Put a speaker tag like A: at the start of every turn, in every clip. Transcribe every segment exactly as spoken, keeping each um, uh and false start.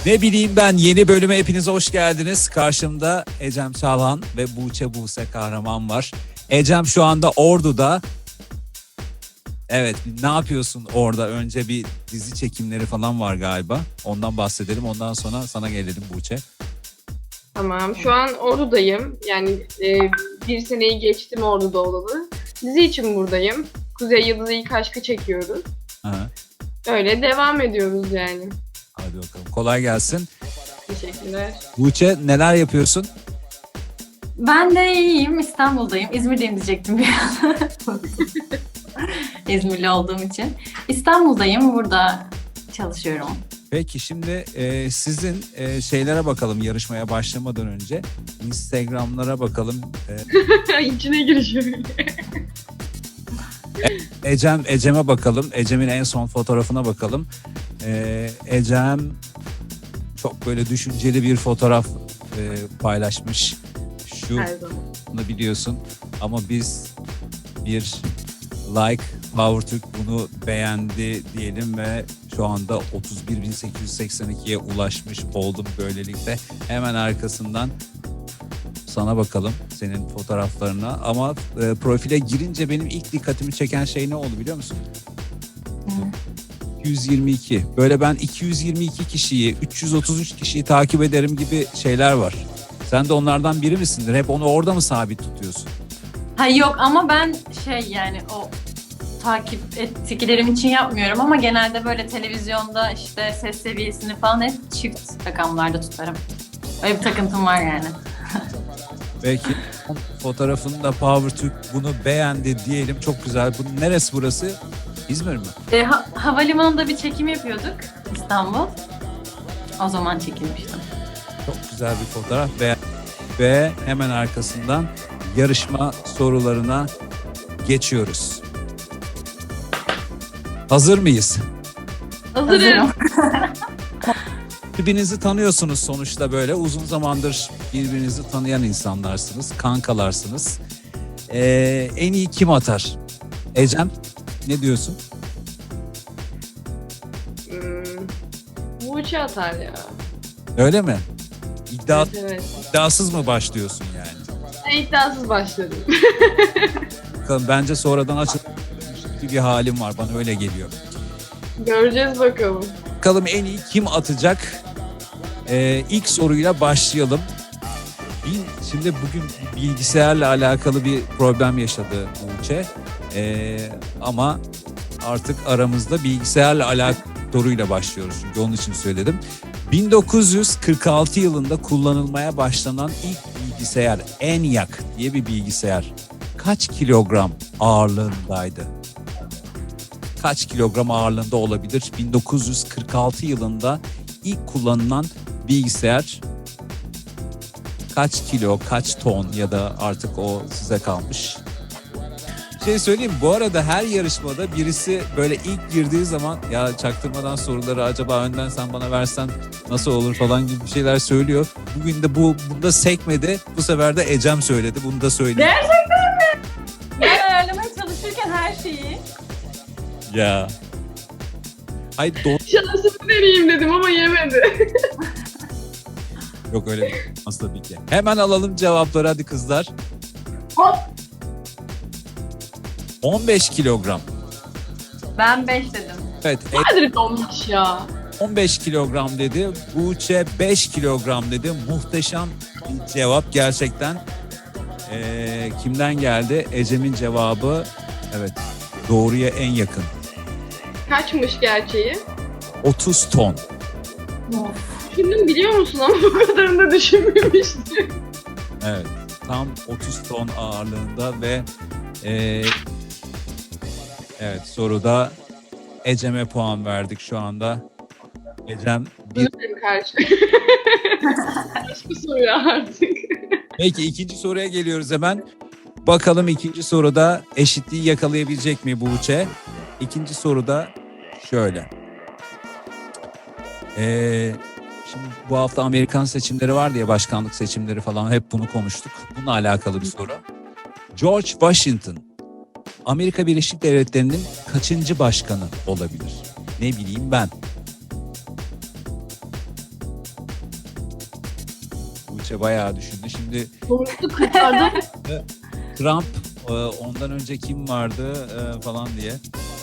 A: Ne bileyim ben, yeni bölüme hepiniz hoş geldiniz. Karşımda Ecem Çalhan ve Buğçe Buse Kahraman var. Ecem şu anda Ordu'da. Evet, ne yapıyorsun orada? Önce bir dizi çekimleri falan var galiba. Ondan bahsedelim. Ondan sonra sana gelelim Buğçe.
B: Tamam. Şu an Ordu'dayım. Yani e, bir seneyi geçtim Ordu'da olalı. Dizi için buradayım. Kuzey Yıldızı İlk Aşk'ı çekiyoruz.
A: Aha.
B: Öyle devam ediyoruz yani.
A: Hadi bakalım. Kolay gelsin.
B: Teşekkürler.
A: Buğçe, neler yapıyorsun?
C: Ben de iyiyim. İstanbul'dayım. İzmir'deyim diyecektim bir an. İzmirli olduğum için. İstanbul'dayım. Burada çalışıyorum.
A: Peki şimdi e, sizin e, şeylere bakalım yarışmaya başlamadan önce. Instagram'lara bakalım. E,
B: İçine girişiyor.
A: Ecem, Ecem'e bakalım. Ecem'in en son fotoğrafına bakalım. Ee, Ecem çok böyle düşünceli bir fotoğraf e, paylaşmış. Şu
B: Her zaman.
A: bunu biliyorsun ama biz bir like Power Türk bunu beğendi diyelim ve şu anda otuz bir bin sekiz yüz seksen ikiye ulaşmış oldum böylelikle. Hemen arkasından sana bakalım, senin fotoğraflarına. Ama e, profile girince benim ilk dikkatimi çeken şey ne oldu biliyor musun? iki yüz yirmi iki. Böyle ben iki yüz yirmi iki kişiyi, üç yüz otuz üç kişiyi takip ederim gibi şeyler var. Sen de onlardan biri misindir? Hep onu orada mı sabit tutuyorsun?
C: Ha yok ama ben şey yani o takip ettiklerim için yapmıyorum ama genelde böyle televizyonda işte ses seviyesini falan hep çift rakamlarda tutarım. Öyle bir takıntım var yani.
A: Belki fotoğrafını da Power Türk bunu beğendi diyelim. Çok güzel. Bu neresi burası? İzmir mi?
C: E, ha- havalimanında bir çekim yapıyorduk İstanbul. O zaman çekilmiştim.
A: Çok güzel bir fotoğraf ve, ve hemen arkasından yarışma sorularına geçiyoruz. Hazır mıyız?
B: Hazırım.
A: Birbirinizi tanıyorsunuz sonuçta, böyle uzun zamandır birbirinizi tanıyan insanlarsınız, kankalarsınız. Ee, en iyi kim atar? Ecem, ne diyorsun?
B: Hmm. Buğçe atar ya.
A: Öyle mi? İddia,
B: Evet, evet.
A: iddiasız mı başlıyorsun yani?
B: Ben iddiasız başladım.
A: Bakalım, bence sonradan açılmış bir halim var, bana öyle geliyor.
B: Göreceğiz bakalım.
A: Bakalım en iyi kim atacak? Ee, ilk soruyla başlayalım. Bir, şimdi bugün bilgisayarla alakalı bir problem yaşadı Buğçe. Ee, ama artık aramızda bilgisayarla alakalı soruyla başlıyoruz. Çünkü onun için söyledim. bin dokuz yüz kırk altı yılında kullanılmaya başlanan ilk bilgisayar ENIAC diye bir bilgisayar kaç kilogram ağırlığındaydı? Kaç kilogram ağırlığında olabilir? bin dokuz yüz kırk altı yılında ilk kullanılan bilgisayar kaç kilo, kaç ton, ya da artık o size kalmış. Bir şey söyleyeyim, bu arada her yarışmada birisi böyle ilk girdiği zaman ya çaktırmadan soruları acaba önden sen bana versen nasıl olur falan gibi bir şeyler söylüyor. Bugün de bu bunda sekmedi. Bu sefer de Ecem söyledi. Bunu da söyleyeyim.
C: Gerçekten mi? Ben ayarlamaya çalışırken her şeyi.
A: Ya. Ay don...
B: Şansımı deneyeyim dedim ama yemedi.
A: Yok öyle bir nasıl tabii ki. Hemen alalım cevapları hadi kızlar.
B: Hop.
A: on beş kilogram.
C: Ben beş dedim.
A: Evet,
B: Madrid olmuş ya.
A: on beş kilogram dedi. Buğçe beş kilogram dedi. Muhteşem bir cevap gerçekten. Ee, kimden geldi? Ecem'in cevabı evet, doğruya en yakın.
B: Kaçmış gerçeği?
A: otuz ton.
C: Of.
B: Düşündüm biliyor musun ama bu kadarını da düşünmemiştim.
A: Evet, tam otuz ton ağırlığında ve e, evet, soruda Ecem'e puan verdik şu anda. Ecem bir.
B: Benim karşı. Başka soruyor artık.
A: Peki ikinci soruya geliyoruz hemen. Bakalım ikinci soruda eşitliği yakalayabilecek mi Buğçe? İkinci soruda şöyle. Ee, şimdi bu hafta Amerikan seçimleri vardı ya, başkanlık seçimleri falan, hep bunu konuştuk. Bununla alakalı bir soru. George Washington, Amerika Birleşik Devletleri'nin kaçıncı başkanı olabilir? Ne bileyim ben. Buğçe bayağı düşündü. Şimdi
B: Sonuçta kırklarda
A: Trump, e, ondan önce kim vardı e, falan diye.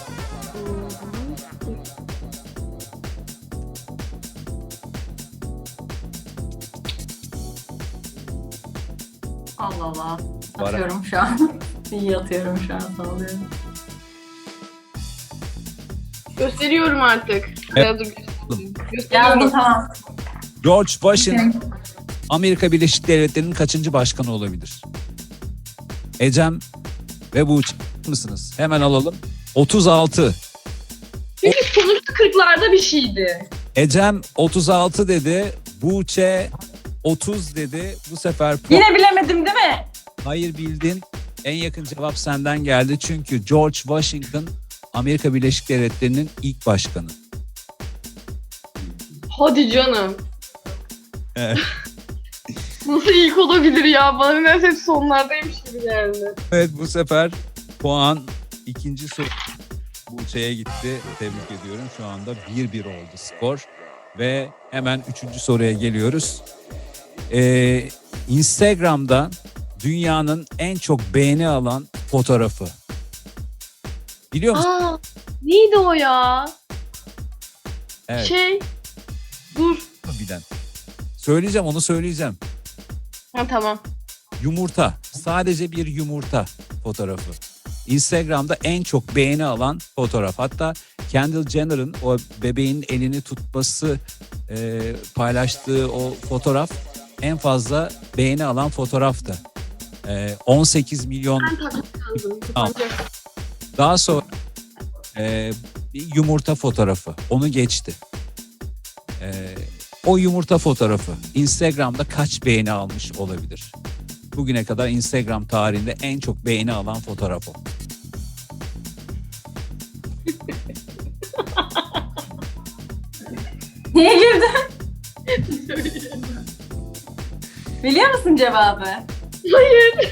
C: Allah Allah.
A: Var.
C: Atıyorum şu an. İyi atıyorum şu an, sağlıyorum.
B: gösteriyorum artık.
A: Evet.
B: Ya dur, gösteriyorum. Gösteriyorum.
C: Yazdım, tamam.
A: George Washington Amerika Birleşik Devletleri'nin kaçıncı başkanı olabilir? Ecem ve Buğçe mısınız? Hemen alalım. otuz altı.
B: Çünkü sonuçta kırklarda bir şeydi.
A: Ecem otuz altı dedi. Buğçe otuz dedi. Bu sefer puan-
C: Yine bilemedim değil mi?
A: hayır bildin. En yakın cevap senden geldi. Çünkü George Washington Amerika Birleşik Devletleri'nin ilk başkanı.
B: Hadi canım.
A: Evet.
B: Nasıl ilk olabilir ya? Bana nedense hep sonlardaymış gibi geldi.
A: Evet, bu sefer puan ikinci soru Buğçe'ye gitti. Tebrik ediyorum. Şu anda bir bir oldu skor. Ve hemen üçüncü soruya geliyoruz. Ee, Instagram'da dünyanın en çok beğeni alan fotoğrafı. Biliyor musun?
B: Aa, neydi o ya?
A: Evet,
B: Şey, dur.
A: bilen. Söyleyeceğim, onu söyleyeceğim.
B: Ha tamam.
A: Yumurta. Sadece bir yumurta fotoğrafı. Instagram'da en çok beğeni alan fotoğraf. Hatta Kendall Jenner'ın o bebeğin elini tutması, e, paylaştığı o fotoğraf en fazla beğeni alan fotoğraftı. E, on sekiz milyon.
B: Ben takmak lazım.
A: Tamam.
B: Kapanacak.
A: Daha sonra e, bir yumurta fotoğrafı. Onu geçti. E, o yumurta fotoğrafı Instagram'da kaç beğeni almış olabilir? Bugüne kadar Instagram tarihinde en çok beğeni alan fotoğraf o.
C: Niye güldün? Biliyor musun cevabı?
B: Hayır.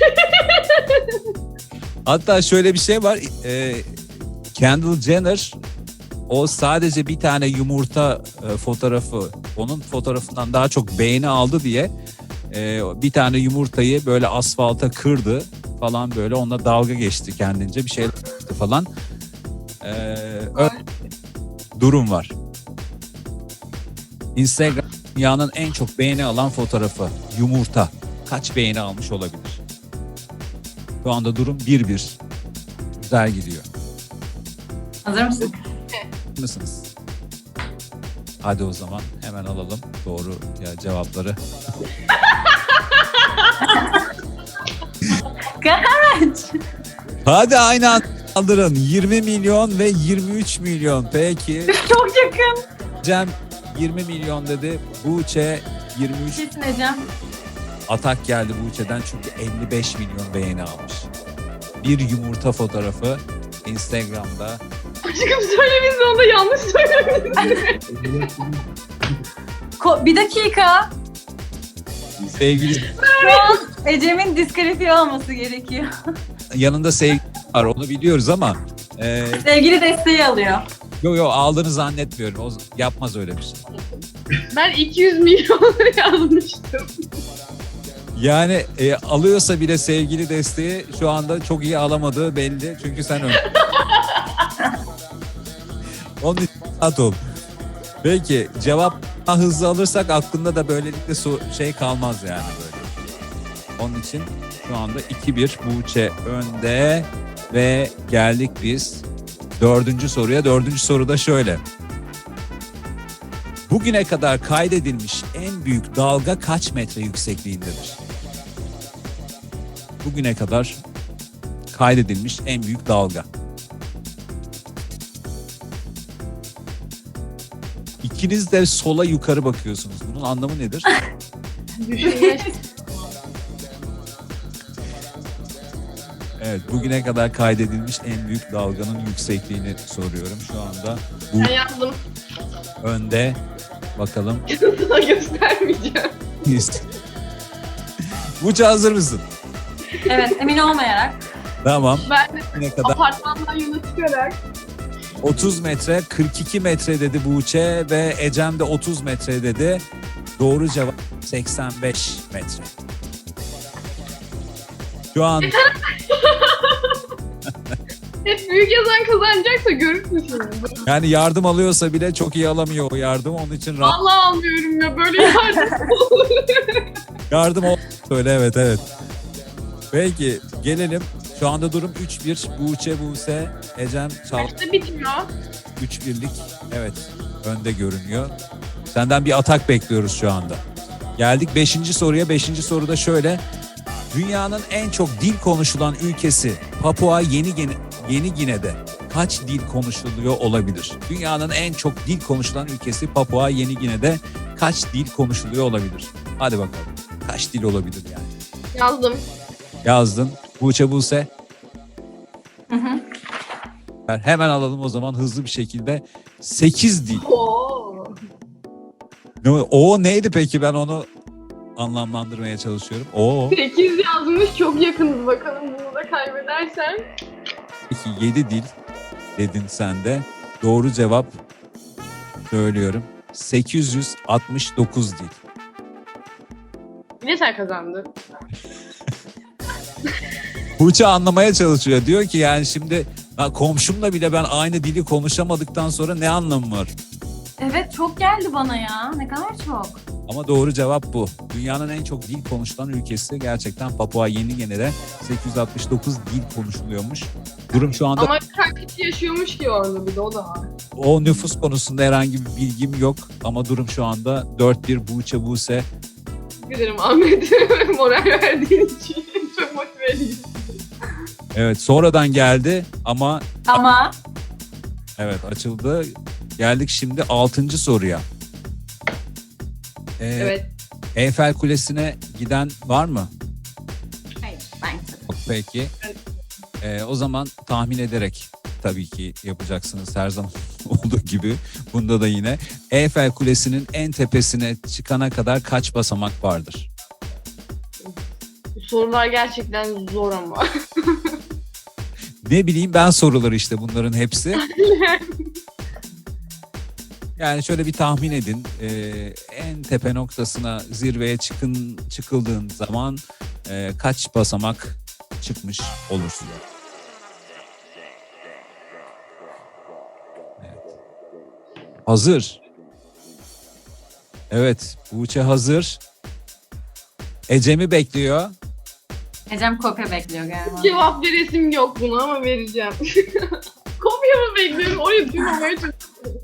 A: Hatta şöyle bir şey var. E, Kendall Jenner o sadece bir tane yumurta e, fotoğrafı, onun fotoğrafından daha çok beğeni aldı diye e, bir tane yumurtayı böyle asfalta kırdı falan, böyle onunla dalga geçti kendince, bir şey yaptı falan. E, öyle bir durum var. Instagram dünyanın en çok beğeni alan fotoğrafı yumurta. Kaç beğeni almış olabilir? Şu anda durum bir bir. Güzel gidiyor.
C: Hazır mısın?
A: Mısınız? Hadi o zaman hemen alalım doğru ya cevapları.
C: Kaç?
A: Hadi aynı anda kaldırın. yirmi milyon ve yirmi üç milyon. Peki
C: Çok yakın.
A: Cem yirmi milyon dedi. Buğçe yirmi üç.
C: Kesin Ecem.
A: Atak geldi Buğçe'den çünkü elli beş milyon beğeni almış. Bir yumurta fotoğrafı Instagram'da.
B: Aşkım söylemişsin, onu da yanlış söylemişsin.
C: Ko- bir dakika.
A: Sevgili
C: Şu an Ecem'in diskalifiye olması gerekiyor.
A: yanında sevgili var, onu biliyoruz ama e,
C: Sevgili desteği alıyor.
A: yo yo aldığını zannetmiyorum. O yapmaz öyle bir şey.
B: Ben iki yüz milyon yazmıştım.
A: Yani e, alıyorsa bile sevgili desteği şu anda çok iyi alamadığı belli. Çünkü sen ön. Onun için rahat ol. Peki cevap daha hızlı alırsak aklında da böylelikle so- şey kalmaz yani böyle. Onun için şu anda iki bir Buğçe önde ve geldik biz dördüncü soruya. Dördüncü soru da şöyle. Bugüne kadar kaydedilmiş en büyük dalga kaç metre yüksekliğindedir? Bugüne kadar kaydedilmiş en büyük dalga. İkiniz de sola yukarı bakıyorsunuz. Bunun anlamı nedir?
B: Düşünme.
A: Evet, bugüne kadar kaydedilmiş en büyük dalganın yüksekliğini soruyorum. Şu anda bu
B: Ben yazdım.
A: önde. Bakalım.
B: Sana göstermeyeceğim.
A: Buğçe hazır mısın?
C: Evet, emin olmayarak.
A: Tamam.
B: Ben de
A: Bugüne kadar
B: apartmandan yola çıkarak
A: otuz metre, kırk iki metre dedi Buğçe ve Ecem de otuz metre dedi. Doğru cevap seksen beş metre. Şu an
B: Hep büyük yazan kazanacaksa görürsün şimdi.
A: yani yardım alıyorsa bile çok iyi alamıyor o yardım. Onun için rahat
B: Vallahi almıyorum ya böyle yardım.
A: yardım ol. Söyle evet evet. Peki gelelim. Şu anda durum üç bir. Buğçe, Buse, Ecem, Çağla
B: Kaçta bitiyor?
A: üç birlik. Evet önde görünüyor. Senden bir atak bekliyoruz şu anda. Geldik beşinci soruya. beşinci soruda şöyle. Dünyanın en çok dil konuşulan ülkesi Papua Yeni Gine, Yeni Gine'de kaç dil konuşuluyor olabilir? Dünyanın en çok dil konuşulan ülkesi Papua Yeni Gine'de kaç dil konuşuluyor olabilir? Hadi bakalım. Kaç dil olabilir yani?
B: Yazdım.
A: Yazdın. Buğçe, Buse.
C: Hı hı.
A: Hemen alalım o zaman hızlı bir şekilde. sekiz dil.
B: Oo.
A: Ne- O neydi peki, ben onu anlamlandırmaya çalışıyorum. O
B: sekiz yazmış, çok yakınız, bakalım bunu da kaybedersen.
A: peki yedi dil dedin sen de. Doğru cevap söylüyorum. sekiz yüz altmış dokuz dil.
B: Yine sen kazandın.
A: Buğçe anlamaya çalışıyor. Diyor ki yani şimdi ha, komşumla bile ben aynı dili konuşamadıktan sonra ne anlamı var?
C: Evet çok geldi bana ya. Ne kadar çok.
A: Ama doğru cevap bu. Dünyanın en çok dil konuşulan ülkesi gerçekten Papua Yeni Gine'de sekiz yüz altmış dokuz dil konuşuluyormuş. Durum şu anda
B: Ama kaç kişi yaşıyormuş ki orada, bir de o da var.
A: o nüfus konusunda herhangi bir bilgim yok. Ama durum şu anda dört bir Buğçe, Buse.
B: Teşekkür ederim Ahmet. Moral verdiğin için. Çok motive edici.
A: Evet sonradan geldi ama
C: Ama
A: evet açıldı. Geldik şimdi altıncı soruya. Ee,
B: Evet.
A: Eyfel Kulesi'ne giden var mı?
C: hayır ben tabii.
A: Peki. Ee, o zaman tahmin ederek tabii ki yapacaksınız her zaman olduğu gibi. Bunda da yine Eyfel Kulesi'nin en tepesine çıkana kadar kaç basamak vardır?
B: Bu sorular gerçekten zor ama.
A: Ne bileyim ben soruları işte bunların hepsi. Yani şöyle bir tahmin edin. Ee, en tepe noktasına, zirveye çıkın çıkıldığın zaman e, kaç basamak çıkmış olursun? Evet. Hazır. Evet, Buğçe hazır. Ecem'i bekliyor.
C: Ecem kopya bekliyor galiba.
B: Cevap veresim yok buna ama vereceğim. Kopya mı bekliyorum? Oraya duymamaya çalışıyorum.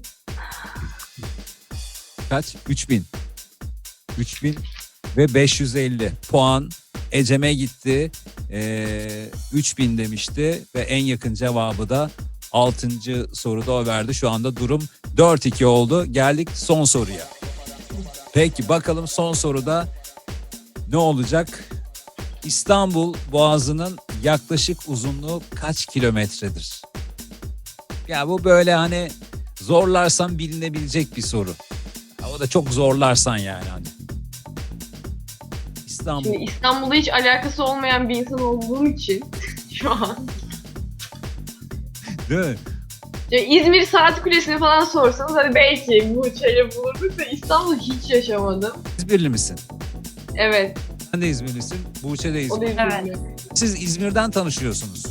A: Kaç? üç bin. üç bin ve beş yüz elli puan Ecem'e gitti. Ee, üç bin demişti ve en yakın cevabı da altıncı soruda o verdi. Şu anda durum dört iki oldu. Geldik son soruya. Peki bakalım son soruda ne olacak? İstanbul Boğazı'nın yaklaşık uzunluğu kaç kilometredir? Ya bu böyle hani zorlarsan bilinebilecek bir soru. Ya o da çok zorlarsan yani hani. İstanbul.
B: Şimdi İstanbul'da hiç alakası olmayan bir insan olduğum için şu an.
A: Değil mi?
B: Ya İzmir Saat Kulesi'ni falan sorsanız hadi belki bu şeyle bulurduk da İstanbul'u hiç yaşamadım.
A: İzmirli misin?
B: Evet,
A: Sen de İzmirlisin. Buğçe de
B: o da
A: İzmirli.
B: İzmirli.
A: Siz İzmir'den tanışıyorsunuz.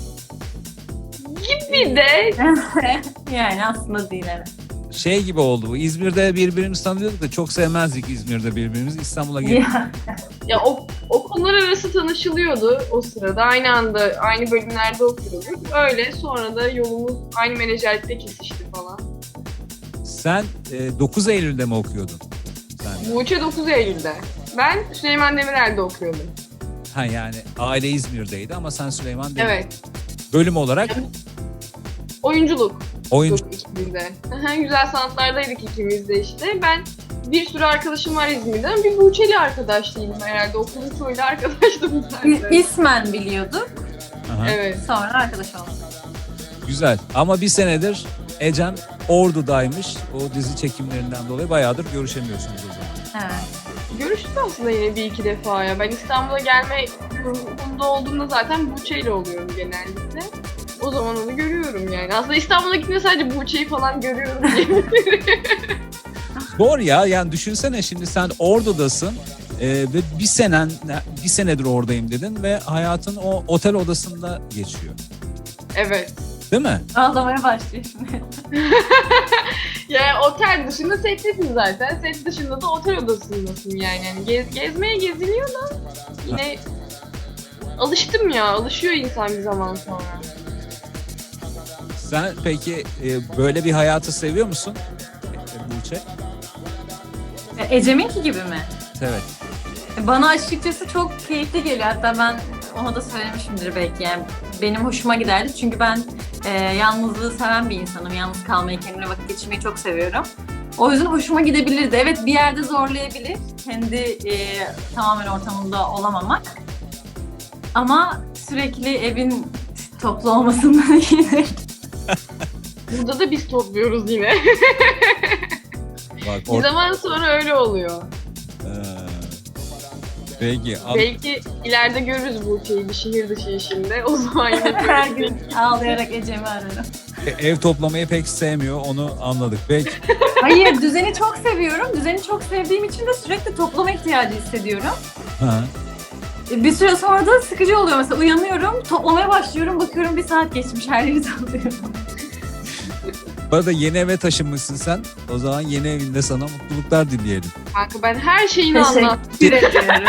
B: Bir de
C: yani aslında değil evet.
A: Şey gibi oldu bu. İzmir'de birbirimizi tanıyorduk da çok sevmezdik İzmir'de birbirimizi. İstanbul'a gelip
C: Ya,
B: ya o okullar arası tanışılıyordu o sırada. Aynı anda aynı bölümlerde okuyorduk. Öyle sonra da yolumuz aynı menajerlikte kesişti falan.
A: sen e, dokuz Eylül'de mi okuyordun? Sen.
B: Buğçe dokuz Eylül'de. Ben Süleyman Demirel'de okuyordum.
A: Ha yani aile İzmir'deydi ama sen Süleyman Demirel.
B: Evet.
A: Bölüm olarak
B: Oyunculuk.
A: oyuncu.
B: Yok ikimiz de. Aha, güzel sanatlardaydık ikimiz de işte. Ben bir sürü arkadaşım var İzmir'den. Bir Buğçeli arkadaş değilim herhalde. Okulun çoğuyla arkadaştım
C: İ-
B: zaten.
C: İsmen biliyorduk.
B: Ee,
A: Aha.
B: Evet.
C: Sonra arkadaş olduk.
A: Güzel. Ama bir senedir Ecem Ordu'daymış. O dizi çekimlerinden dolayı bayağıdır görüşemiyorsunuz o zaman.
C: Evet.
B: Görüştük aslında yine bir iki defa ya. Ben İstanbul'a gelme durumunda olduğumda zaten Buğçe'yle oluyorum genellikle. O zaman onu görüyorum yani. Aslında İstanbul'a gittiğimde sadece Buğçe'yi falan görüyorum diye.
A: Zor ya, yani düşünsene şimdi sen Ordu'dasın e, ve bir senen bir senedir oradayım dedin ve hayatın o otel odasında geçiyor.
B: Evet.
A: Değil mi?
C: Ağlamaya başlıyor şimdi.
B: Yani otel dışında settesin zaten. Set dışında da otel odasındasın yani. yani gez, gezmeye geziliyor da yine alıştım ya. Alışıyor insan bir zaman sonra.
A: Sen peki e, böyle bir hayatı seviyor musun e, Buğçe?
C: E, Ecem'inki gibi mi?
A: Evet.
C: Bana açıkçası çok keyifli geliyor. Hatta ben ona da söylemişimdir belki. Yani benim hoşuma giderdi. Çünkü ben e, yalnızlığı seven bir insanım. Yalnız kalmayı, kendimle vakit geçirmeyi çok seviyorum. O yüzden hoşuma gidebilirdi. Evet, bir yerde zorlayabilir. Kendi e, tamamen ortamında olamamak. Ama sürekli evin toplu olmasından iyidir.
B: Burada da biz topluyoruz yine.
A: Bak,
B: Bir
A: or-
B: zaman sonra öyle oluyor.
A: Ee, peki. an-
B: Belki ileride görürüz bu şeyi bir şehir dışı işinde. O zaman yine
C: Her
B: görürüz.
C: gün ağlayarak Ecem'i ararım.
A: Ev toplamayı pek sevmiyor, onu anladık. Peki.
C: Hayır, düzeni çok seviyorum. Düzeni çok sevdiğim için de sürekli toplama ihtiyacı hissediyorum.
A: Ha.
C: Bir süre sonra da sıkıcı oluyor. Mesela uyanıyorum, toplamaya başlıyorum, bakıyorum bir saat geçmiş, her yeri topluyorum.
A: Bu arada yeni eve taşınmışsın sen. O zaman yeni evinde sana mutluluklar dileyelim.
B: Kanka ben her şeyini anlattım.
C: Teşekkür ediyorum.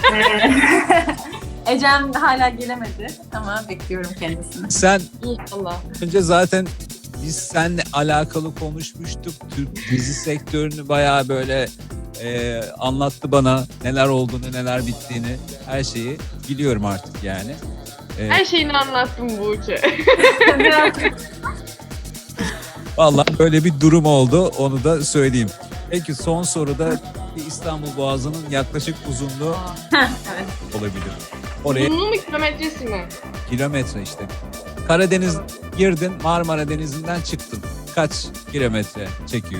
C: Ecem hala gelemedi ama bekliyorum kendisini.
A: Sen
B: İnşallah.
A: önce zaten biz seninle alakalı konuşmuştuk. Türk dizi sektörünü bayağı böyle e, anlattı bana neler olduğunu, neler bittiğini, her şeyi biliyorum artık yani. E,
B: Her şeyini anlattım Buğçe.
A: Vallahi böyle bir durum oldu, onu da söyleyeyim. Peki son soruda bir İstanbul Boğazı'nın yaklaşık uzunluğu
C: Evet.
A: olabilir. Oraya
B: Uzunluğu mu kilometresi mi?
A: kilometre işte. Karadeniz girdin, Marmara Denizi'nden çıktın. Kaç kilometre çekiyor?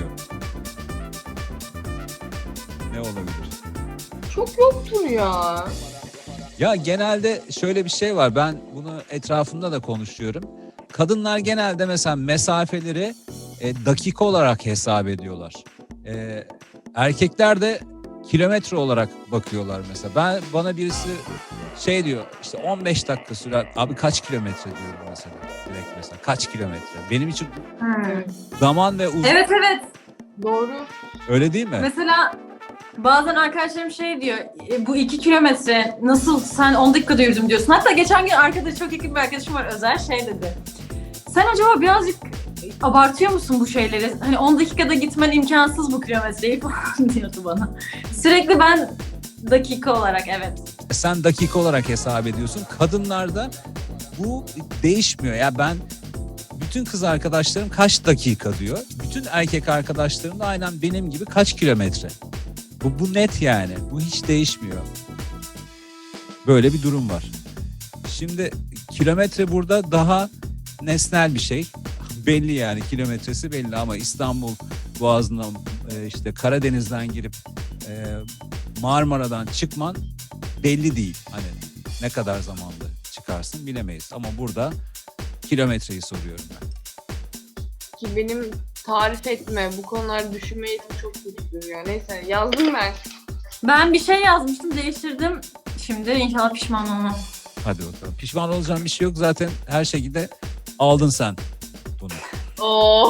A: Ne olabilir?
B: Çok yoktur ya.
A: Ya genelde şöyle bir şey var. Ben bunu etrafımda da konuşuyorum. Kadınlar genelde mesela mesafeleri e, dakika olarak hesap ediyorlar. E, erkekler de kilometre olarak bakıyorlar mesela. Ben bana birisi şey diyor işte on beş dakika sürer. Abi kaç kilometre diyorum mesela. Direkt mesela kaç kilometre. Benim için
B: Evet.
A: zaman ve uzun
C: Evet evet.
B: Doğru.
A: öyle değil mi?
C: Mesela bazen arkadaşlarım şey diyor, "E, bu iki kilometre nasıl sen on dakikada yürüdüm diyorsun." Hatta geçen gün arkadaş, çok yakın bir arkadaşım var Özer, şey dedi. Sen acaba birazcık abartıyor musun bu şeyleri? Hani on dakikada gitmen imkansız bu kilometreyi falan diyordu bana. Sürekli ben dakika olarak evet.
A: Sen dakika olarak hesap ediyorsun. Kadınlarda bu değişmiyor. Ya ben bütün kız arkadaşlarım kaç dakika diyor. Bütün erkek arkadaşlarım da aynen benim gibi kaç kilometre. Bu, bu net yani. Bu hiç değişmiyor. Böyle bir durum var. Şimdi kilometre burada daha nesnel bir şey. Belli yani, kilometresi belli ama İstanbul Boğazı'ndan e, işte Karadeniz'den girip e, Marmara'dan çıkman belli değil. Hani ne kadar zamanda çıkarsın bilemeyiz. Ama burada kilometreyi soruyorum ben.
B: Ki benim tarif etme, bu konularda düşünme yetim çok kötüdür ya. Neyse yazdım ben.
C: Ben bir şey yazmıştım, değiştirdim. Şimdi inşallah pişman olmam.
A: Hadi bakalım. Pişman olacağın bir şey yok. Zaten her şekilde aldın sen bunu.
B: Oo.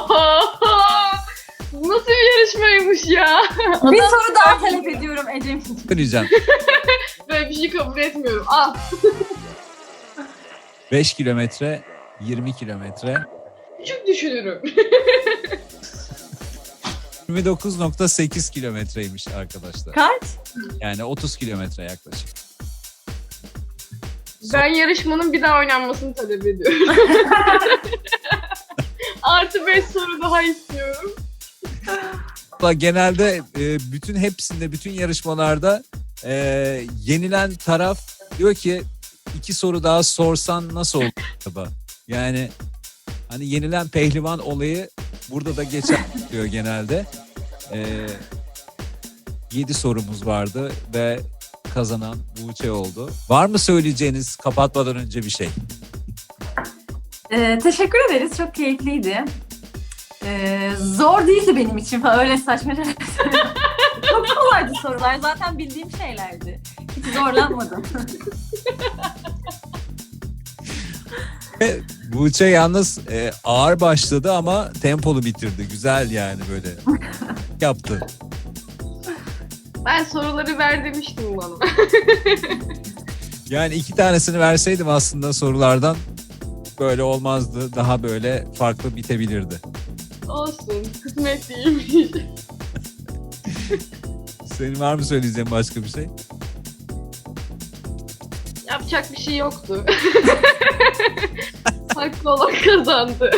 B: Bu nasıl bir yarışmaymış ya?
C: Bir soru daha talep ediyorum Ecem.
A: Söyleyeceğim.
B: Böyle bir şey kabul etmiyorum. Al.
A: beş kilometre, yirmi kilometre,
B: Küçük düşünürüm.
A: yirmi dokuz nokta sekiz kilometreymiş arkadaşlar.
C: Kaç?
A: Yani otuz kilometre yaklaşık.
B: Ben yarışmanın bir daha oynanmasını talep ediyorum. Artı beş soru daha istiyorum.
A: Hatta genelde e, bütün hepsinde, bütün yarışmalarda e, yenilen taraf diyor ki iki soru daha sorsan nasıl olur acaba? Yani hani yenilen pehlivan olayı burada da geçer diyor genelde. E, yedi sorumuz vardı ve kazanan Buğçe oldu. Var mı söyleyeceğiniz kapatmadan önce bir şey?
C: Ee, teşekkür ederiz. Çok keyifliydi. Ee, zor değildi benim için falan. Öyle saçma şeyler söylüyorum. Çok kolaydı sorular. Zaten bildiğim şeylerdi. Hiç zorlanmadım.
A: Ve Buğçe yalnız e, ağır başladı ama tempolu bitirdi. Güzel yani böyle yaptı.
B: Ben soruları ver demiştim bana.
A: Yani iki tanesini verseydim aslında sorulardan böyle olmazdı. Daha böyle farklı bitebilirdi.
B: Olsun. Kısmet değilmiş.
A: Senin var mı söyleyeceğin başka bir şey?
B: Yapacak bir şey yoktu. Haklı olan kazandı.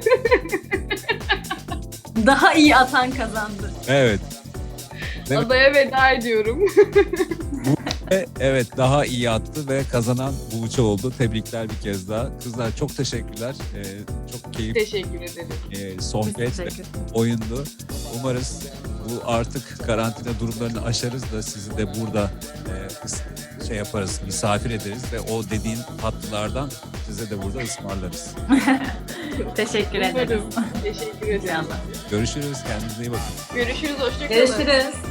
C: Daha iyi atan kazandı.
A: Evet. Evet.
B: Adaya veda ediyorum.
A: Ve evet daha iyi attı ve kazanan Buğçe oldu. Tebrikler bir kez daha. Kızlar çok teşekkürler. Ee, çok keyifli
B: Teşekkür ederim.
A: e, sohbet ve
C: Teşekkür ederim.
A: oyundu. Umarız bu artık karantina durumlarını aşarız da sizi de burada e, şey yaparız, misafir ederiz ve o dediğin tatlılardan size de burada ısmarlarız.
C: Teşekkür ederim.
B: Umarım. Teşekkür ederim.
C: İnşallah.
A: Görüşürüz. Kendinize iyi bakın.
B: Görüşürüz. Hoşçakalın.
C: Görüşürüz.